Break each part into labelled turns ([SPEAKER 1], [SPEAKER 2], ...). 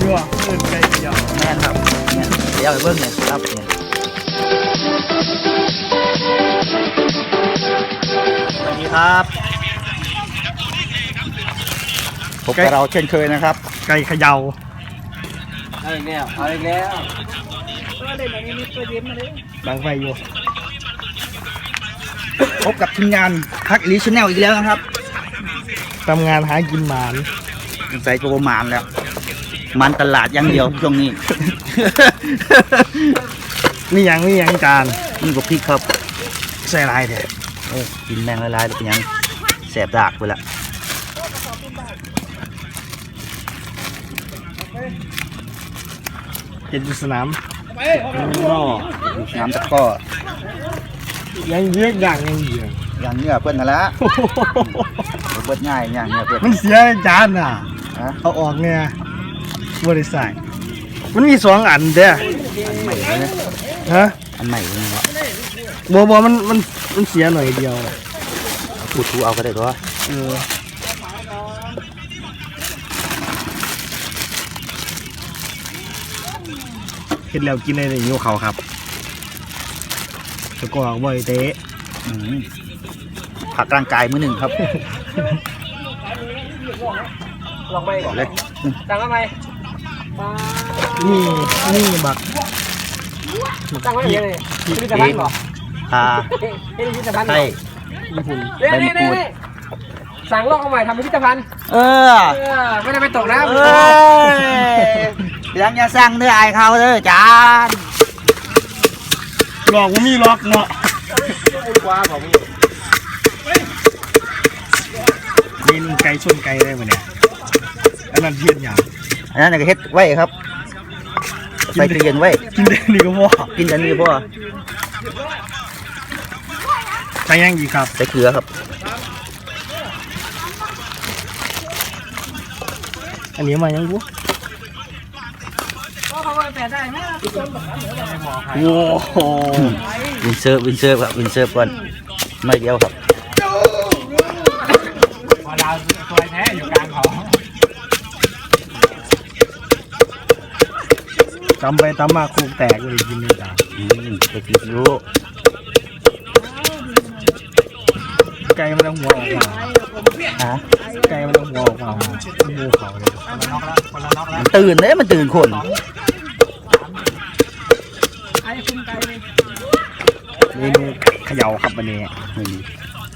[SPEAKER 1] ยั่วเอิ้นไก่เขย่า
[SPEAKER 2] แม่นครับเนี่ยเดี๋ยวไปเบิ่งเนี่ยครับเนี่ยสวัสดีครับพบกับเราเช่นเคยนะครับ
[SPEAKER 1] ไก่เขย่า
[SPEAKER 3] เอาอีกแล้วเอาอีกแล้ว
[SPEAKER 1] ดังไฟอยู่
[SPEAKER 2] พบกับทีมงานพักอีลิชแนลอีกแล้วนะครับ
[SPEAKER 1] ทำงานหากินหมาน
[SPEAKER 2] ใส่โปรมานแล้วมันตลาดอย่างเดียวช่วงนี้
[SPEAKER 1] นี่ยังจาน
[SPEAKER 2] นี่ก็พริกครับ
[SPEAKER 1] ใส่ลายแท้
[SPEAKER 2] กินแมงละลายๆแล้วเป็นยังแสบดากไปละ
[SPEAKER 1] เห็นอยู่สนามนอก
[SPEAKER 2] น้ำตะก้อ
[SPEAKER 1] ยังเยอะอย่างยังเยอะ
[SPEAKER 2] อย่างเนื้อเพื่อนนั่นละเบิดง่ายอย่างเนื้อเพื่อน
[SPEAKER 1] มันเสียจานอ่ะ
[SPEAKER 2] ฮะ
[SPEAKER 1] เอาออกเนี่ยบริษัทมันมี2 อันเด้อ
[SPEAKER 2] อันใหม่เลยนะ
[SPEAKER 1] ฮะ
[SPEAKER 2] อันใหม่เลยเนาะ
[SPEAKER 1] บ่มันเสียหน่อยเดียว
[SPEAKER 2] พูดทูเอาก็ได้ตัว
[SPEAKER 1] เห็นแล้วกินได้เลยโยเขาครับแล้วก็บ่อยเตะ
[SPEAKER 2] ผักร่างกายมื้อหนึ่งครับ
[SPEAKER 3] ลองไปก่อน
[SPEAKER 2] เลย
[SPEAKER 3] ตั้งทำไม
[SPEAKER 1] นี่บัก
[SPEAKER 3] ตั้งไว้อย่างนี้พิพิธภัณฑ์เหรอ
[SPEAKER 2] ทา
[SPEAKER 3] เฮ้ยพิพิธภัณฑ์เหร
[SPEAKER 2] ไส้
[SPEAKER 3] อ
[SPEAKER 1] ญี่ปุ่น
[SPEAKER 3] นี่สั่งลอกเอาใหม่ทำพิพิธภัณฑ์ ไม่ได้ไปตกนะ
[SPEAKER 2] ยังจะสั่งเนื้อไอเขาเด้อจาน
[SPEAKER 1] หลอกว่ามีล็อกเนาะ
[SPEAKER 3] กว้าของมึง
[SPEAKER 1] นี่ไก่ชนไก่ได้ปะเนี่ยอันนั้นเทียนอย่าง
[SPEAKER 2] อันนั้นก็เฮ็ดไว้ครับใส่ตู้เย็นไว้
[SPEAKER 1] กินได้นี่ก็พอ
[SPEAKER 2] กินกันนี่พ่อ
[SPEAKER 1] ใช้ยังอีกครับ
[SPEAKER 2] ใส่เกลือครับ
[SPEAKER 1] อันนี้มายังกู
[SPEAKER 3] เขาไปแปะได้ไหม
[SPEAKER 1] โอ้โห
[SPEAKER 2] วินเซิร์ฟครับวินเซิร์ฟก่อนไม่เดียวครับ
[SPEAKER 3] พอดาวตัวแท้อยู่กลางเขา
[SPEAKER 1] ตำไปตำมาโคกแตกเลยกินเลยจ้า
[SPEAKER 2] ไปกินรู้
[SPEAKER 1] ไก่มันเอาหัวออกมา
[SPEAKER 2] ฮะ
[SPEAKER 1] ไก่มันเอาหัวออกมางูเขาเลย
[SPEAKER 2] มันตื่นเลยมันตื่นคน
[SPEAKER 1] เมนูเขย่าครับวันนี้
[SPEAKER 2] ไม่มี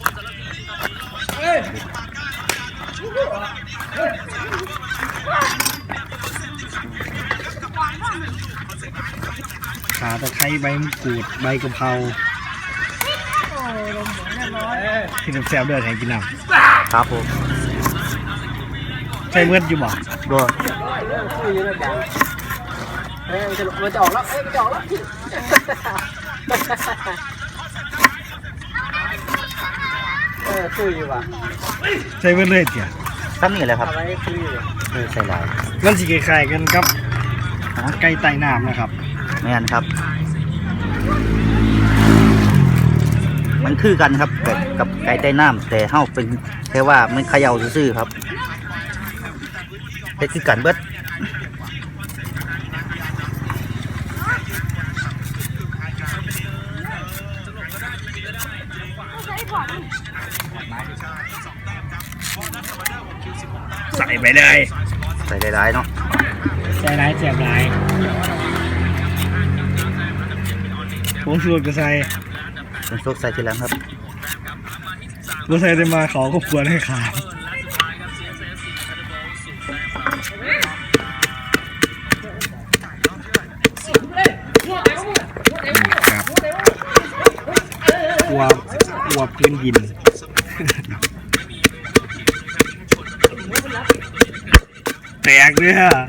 [SPEAKER 1] ขาตะไคร้ใบมะกรูดใบกะเพราที่แซ่บๆเด้อแทนกินน้
[SPEAKER 2] ครับผม
[SPEAKER 1] ำใช้เมื่ออยู่บ่
[SPEAKER 2] บ่
[SPEAKER 3] คือยืนกลางมันจะออกแล้วมันจะออกแล้วคืออยู่ว่ะ
[SPEAKER 1] ใช้เมื่อเลยเถี่ย
[SPEAKER 2] ทำนี่แหละครับ
[SPEAKER 3] อะไรคืออยู่
[SPEAKER 2] ใส่ลาย
[SPEAKER 1] มันสิคล้ายๆกันครับไก่ไต่น้ำนะครับ
[SPEAKER 2] ไม่งั้นครับ มันคือกันครับกับไก่ใต้น้ำแต่เฮาเป็นแค่ว่ามันเขย่าซื่อๆครับแต่คือกันเบิด
[SPEAKER 1] ใส่ไปเลย
[SPEAKER 2] ใส่หลายๆเนาะ
[SPEAKER 1] ใส่ร้ายแสบร้ายผมสูตรก็ใส่
[SPEAKER 2] เป็นซุกใส่ทีหลังครับ
[SPEAKER 1] รถใส่ได้มาเขาก็ควรให้ขาดครับวัวพื้นดินแตกเลยฮะ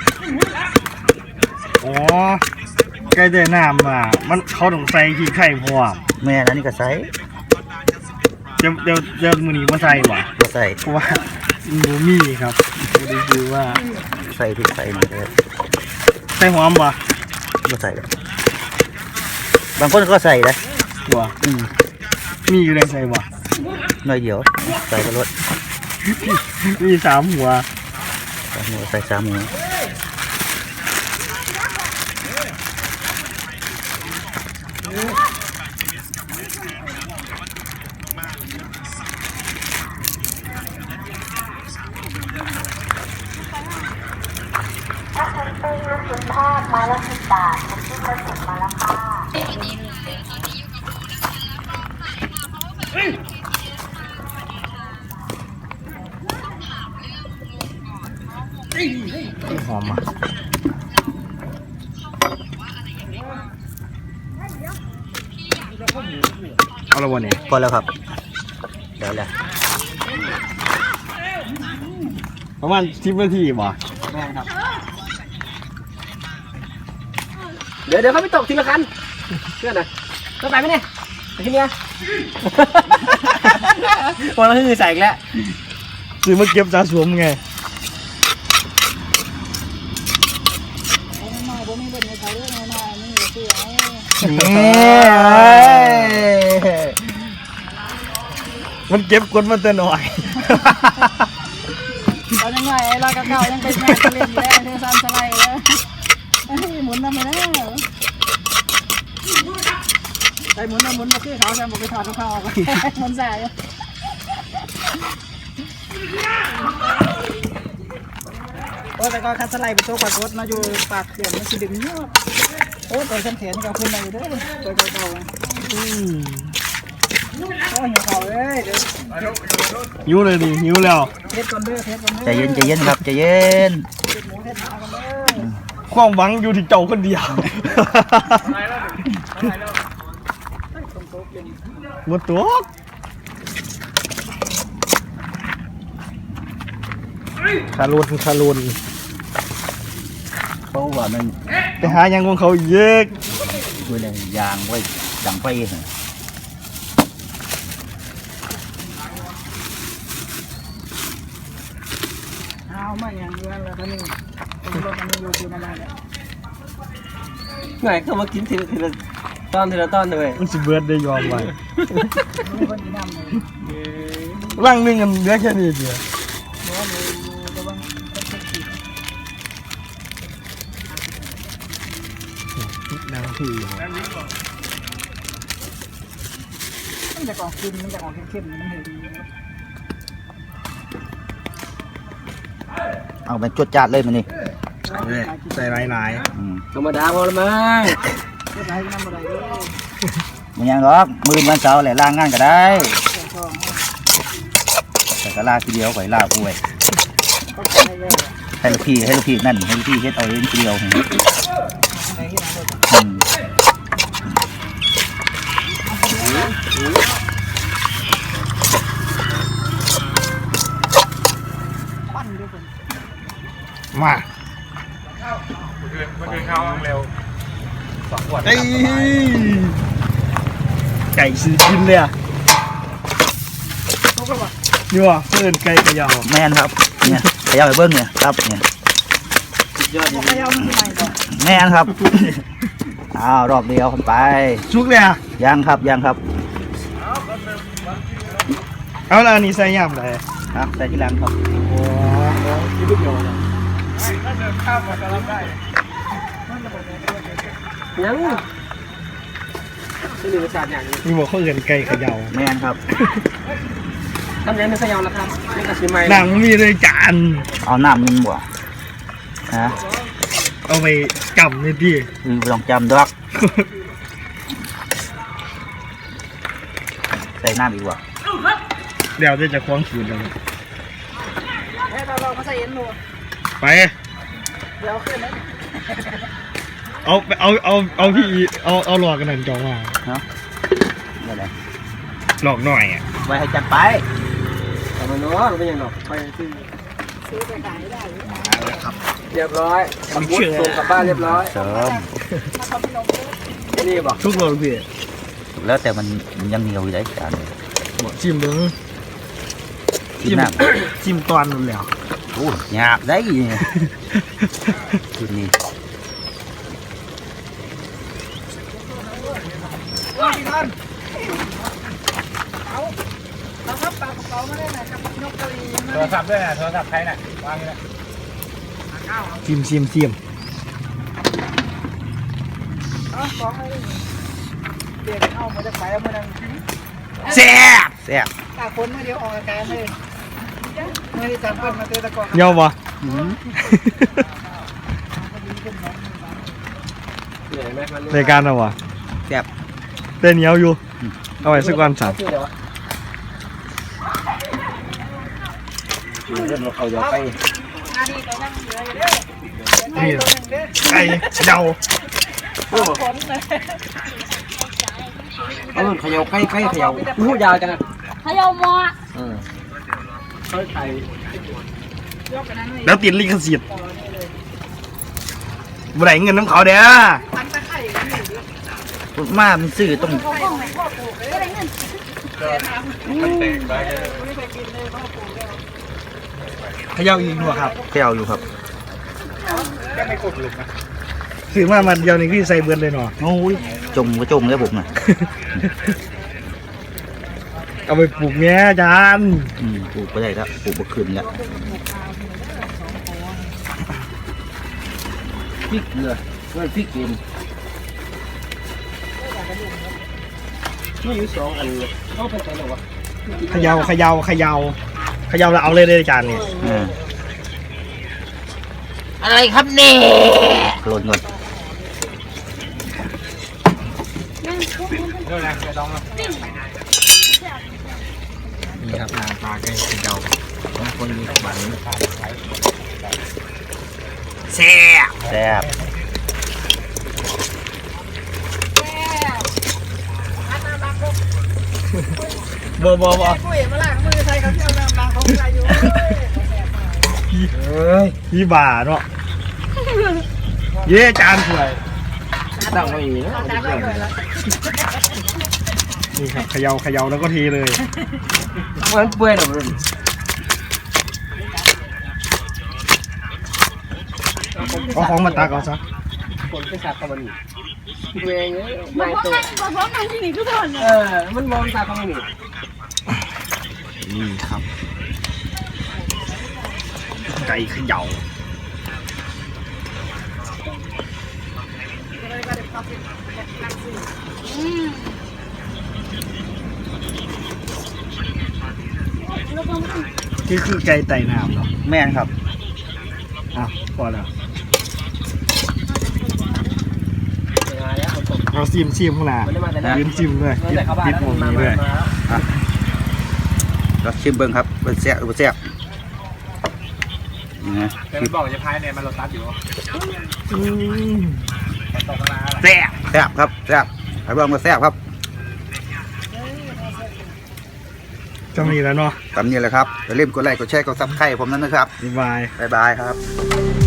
[SPEAKER 1] อ๋อใกล้ได้น้ำอ่ะมันเขาต้องใส่ขี้ไข่พร้อม
[SPEAKER 2] แม่นั้นนี่ก็ใส่
[SPEAKER 1] เดี๋ยวมือนี้มาใส่ว่ะ
[SPEAKER 2] ก็ใส่
[SPEAKER 1] เพราะว่าหนูมีครับไม่ได้คือว่า
[SPEAKER 2] ใส่พริกใส่นี่เลย
[SPEAKER 1] ใส่หอมป่ะ
[SPEAKER 2] ก็ใส่เลยบางคนก็ใส่นะ
[SPEAKER 1] ว่ะมีอยู่ในใส่ว่ะ
[SPEAKER 2] หน่อยเดียวใส่กระรด
[SPEAKER 1] มี3 หัว
[SPEAKER 2] ใส่หัวใส่สามหัว
[SPEAKER 4] มาละ10 บาทเป็นที่กระสุนมาแล้วค่ะ
[SPEAKER 1] หอมอ่ะเอาละวันนี้
[SPEAKER 2] พอแล้วครับเดี๋ยวแหละ
[SPEAKER 1] ประมาณ10 นาทีบ่
[SPEAKER 3] เดี๋ยวเขาไปตกทีละคันเพื่อนหน่อยต้องไปไหมเนี่ยไปที่เนี้ยวันละคือใส่อีกแล้ว
[SPEAKER 1] ซื้อมาเก็บสะสมไงมันเก็บคนมาแต่หน่อย
[SPEAKER 5] ตอนยังไงไอ้เราเก่ายังเป็นแม่เล่นอยู่แล้วเธอซ้ำสไลด์เลยหมุนทำไมแล้วไปหมุนมาคือเขาจะบอกไปถอดเขาออกหมุนใส่โอ้แต่ก็คัดสไลด์ไปโต๊ะปากรถมาอยู่ปากเขื่อนมันสิดึงเยอะโอ้ตัวฉันเถียนกับคุณมาอยู่ด้วยตัวเก่าโอ้หิวเขาเลยเดี๋ยว
[SPEAKER 1] หิวเลยดิหิวแล้ว
[SPEAKER 5] เทสก่อนเด้อเทสก่อนเด้อ
[SPEAKER 2] ใจเย็นครับใจเย็น
[SPEAKER 5] หมูเทสหาก่อนเด้อ
[SPEAKER 1] ความหวังอยู่ที่เจ้าคนเดียวหมดตัวคารุน
[SPEAKER 2] เพราะว่ามัน
[SPEAKER 1] ไปหายังของเขาเยอะ
[SPEAKER 2] ดูเลยยางไว้ดังไฟเหรอ
[SPEAKER 5] เอามาอย่างเดียวแล้วท่านนี่รถมันอยู่ที่นั่นแหละ
[SPEAKER 3] ไงก็มากินทีละตอนเลย
[SPEAKER 1] มันสิเบิร์ดได้ยอมไว้
[SPEAKER 5] มีคนที่นั่งเลย
[SPEAKER 1] ร่างหนึงกันเหลือแค่นี้เดียว
[SPEAKER 5] เพราะว่าอยู่ระวังต้องขีด
[SPEAKER 1] นางที่
[SPEAKER 5] มันจะออกกินมันจะออกเข้มๆมันเห็น
[SPEAKER 2] เอาไปจวดจัดเลยมันนี่
[SPEAKER 1] ใส่หลาย
[SPEAKER 3] ธรรมดาพอละมั้ง
[SPEAKER 5] เพื่อให้น้ำอะไรด้วย
[SPEAKER 2] มันยังหรอกมือวันเสาร์แหละล่างงานก็ได้
[SPEAKER 5] แต่ก็
[SPEAKER 2] แต่ก็ลาทีเดียวไปลาป่วย
[SPEAKER 5] ก็ใช้ได้
[SPEAKER 2] ให้ลูกพี่นั่นให้ลูกพี่เฮ็ดเอาเองทีเดียว
[SPEAKER 5] ในที่นั่งรถ
[SPEAKER 2] อืม
[SPEAKER 5] ปั้นด้วยคน
[SPEAKER 1] ๆมามันคือข้าวเร็ว2 ขวดไก่สีกินเลยอ่ะนี่ว่ะเพื่อนไก่กระยาว
[SPEAKER 2] แม่นครับเนี่ยขยับไปเบิ้งเนี่ยครับเนี่ย
[SPEAKER 5] บอกให้เอามันที่ใหม่ก่อน
[SPEAKER 2] แม่นครับ อ้าวรอบเดียวไป
[SPEAKER 1] ชุกเลยอ่ะ
[SPEAKER 2] ยังครับ
[SPEAKER 1] เอาแล้วอันนี้ใส่ย่ำเลย
[SPEAKER 2] ครับแต่ที่หลังครับ
[SPEAKER 1] โอ้ยลูกเดียวนะ
[SPEAKER 3] ยังไม่มีประสาทอย่างนี้
[SPEAKER 1] มีบอกเขาเอินไก่เขย่า
[SPEAKER 2] แม่นครับ
[SPEAKER 3] ทำยังไม่ขยาวแล้วครับไม่กระชิมไหม
[SPEAKER 1] หนังมีเลยจาน
[SPEAKER 2] เอาน้ำมันบ่ฮะ
[SPEAKER 1] เอาไปจำเลยดิ
[SPEAKER 2] ลองจำดอกใส่น้ำอีกว่ะ
[SPEAKER 1] เดี๋ยวจะคว้างคืนเลย
[SPEAKER 5] ให้เรามาใส่เอ็นหนู
[SPEAKER 1] ไป
[SPEAKER 5] เดี๋ยวขึ้นนะ
[SPEAKER 1] เอาพี่เอาหลอกกันหน่อยจองว่า
[SPEAKER 2] เนาะนี่แหละ
[SPEAKER 1] หลอกหน่อยอ่ะ
[SPEAKER 2] ไว้ให้จัดไป
[SPEAKER 3] แต่มันน้อยเป็นยังหรอกไปซื้อ
[SPEAKER 5] ไปขายได้หรือ
[SPEAKER 3] เรียบร้อยส่งกลับบ้านเรียบร้อย
[SPEAKER 2] เสริม
[SPEAKER 3] นี่บอก
[SPEAKER 1] ทุกโลพี่
[SPEAKER 2] แล้วแต่มันยังเหนียวอยู่ได้จาน
[SPEAKER 1] บอกชิมเบิ้ง
[SPEAKER 2] กินน้
[SPEAKER 1] ชิมตอนนั่นแหละ
[SPEAKER 2] ำโอ้หยาบได้จุดนี้
[SPEAKER 5] เราครับปากเขาไม่ได้ไหนกับนกกระลี
[SPEAKER 1] โทรศัพท์ด้วยนะโทรศัพท์ใครน่ะวางเลยชิม
[SPEAKER 5] เอาของอะไรเปลี่ยนเอามาจะขายเอามาดัง
[SPEAKER 1] แซ่บ
[SPEAKER 5] ตาคนไม่เดียวออกอาการเลยไม่ได้จับเปิ้ลมาเตะตะกอน
[SPEAKER 1] เยาว์วะ
[SPEAKER 3] เหนื่อยไหมมัน
[SPEAKER 1] รายการเอาวะ
[SPEAKER 2] แซ่บ
[SPEAKER 1] เต้นเหนียวอยู่เอาไว้สักวันสั่ง
[SPEAKER 3] ชื่อเดี๋ยวเรื่องเราจะไป
[SPEAKER 1] นี่ไก่เดา
[SPEAKER 3] เขย่าใกล้เขย่าอู้ยาวจัง
[SPEAKER 4] เขย่าหม้อ
[SPEAKER 3] เขาไทย
[SPEAKER 1] แล้วติดลิขสิทธิ์บ่ได้เงินน้ำเขาเด้อ
[SPEAKER 2] มามันซื้อต้อง
[SPEAKER 1] เขย่าอีกหนวครับ
[SPEAKER 2] แก้วอยู่ครับ
[SPEAKER 1] ซื้อมามันเดียวนี่คือใส่เบิร์ดเลยเนาะ
[SPEAKER 2] โอ้ยจมก็จมแล้วผมน่ะ
[SPEAKER 1] เอาไปปลูกแง่จาน
[SPEAKER 2] ปลูกไปได้แล้วปลูกบ่ขึ้นแล้ว
[SPEAKER 3] พริกเกลือเพื่อนพริกกินนี่อยู่2 อันเขาไปไหนหรอวะ
[SPEAKER 1] เขย่าแล้วเอาเลยเลยจานนี่
[SPEAKER 2] อะไรครับเนี่ยโรยก่อน
[SPEAKER 1] นี่ครับหน้าปลาไก่เขย่าของคนมีขวัญแซ่บ
[SPEAKER 2] แซ่บ
[SPEAKER 1] บ่
[SPEAKER 5] คุยมาล้างมือใส่กับเจ้าน้ำล้างของใครอยู่
[SPEAKER 1] พี่บ่าเนาะเย้จานสวย
[SPEAKER 3] ตั้งไว้อย่างนี้นะ
[SPEAKER 1] นี่ครับเขย่าแล้วก็เทเลย
[SPEAKER 3] มันเปื่อยหรอรุ่น
[SPEAKER 1] เอาของมาตักเอาซะ
[SPEAKER 3] คนไปสักกับมันนี่เปื่อยเงี้ยไม่ตัว
[SPEAKER 4] พร้อมนั่งที่นี่ทุกคน
[SPEAKER 3] มันมองสักกับมันนี่
[SPEAKER 1] นี่ครับไก่เขย่านี่คือไก่ไต่น้ำเนาะ
[SPEAKER 2] แม่นครับ
[SPEAKER 1] อ่ะพอแล้ว
[SPEAKER 3] มาแล้วคนตก
[SPEAKER 1] เอาซิมข้างหน้า
[SPEAKER 3] มันได้มาแต่ไหน
[SPEAKER 1] ยืนซิมด้วย
[SPEAKER 3] แต่เข้าบ้าน
[SPEAKER 1] ปิด
[SPEAKER 3] แล้ว
[SPEAKER 1] วง
[SPEAKER 3] มา
[SPEAKER 1] นี้ด้วย
[SPEAKER 2] เราชิมเบิ้งครับเป็นแซ่บแซ่บนี่นะ
[SPEAKER 1] แต่มันบอกจะพายเนี่ยมันรถตัดอยู่แซ่บ
[SPEAKER 2] แซ่บครับแซ่บไอ้เบิ้งก็แซ่บครับ
[SPEAKER 1] จะมีแล้วเนาะ
[SPEAKER 2] ตามนี้แหละครับอย่าลืมกดไลค์กดแชร์กดซับสไครต์ผมนั้นนะครับ
[SPEAKER 1] บ๊ายบาย
[SPEAKER 2] บ๊ายบายครับ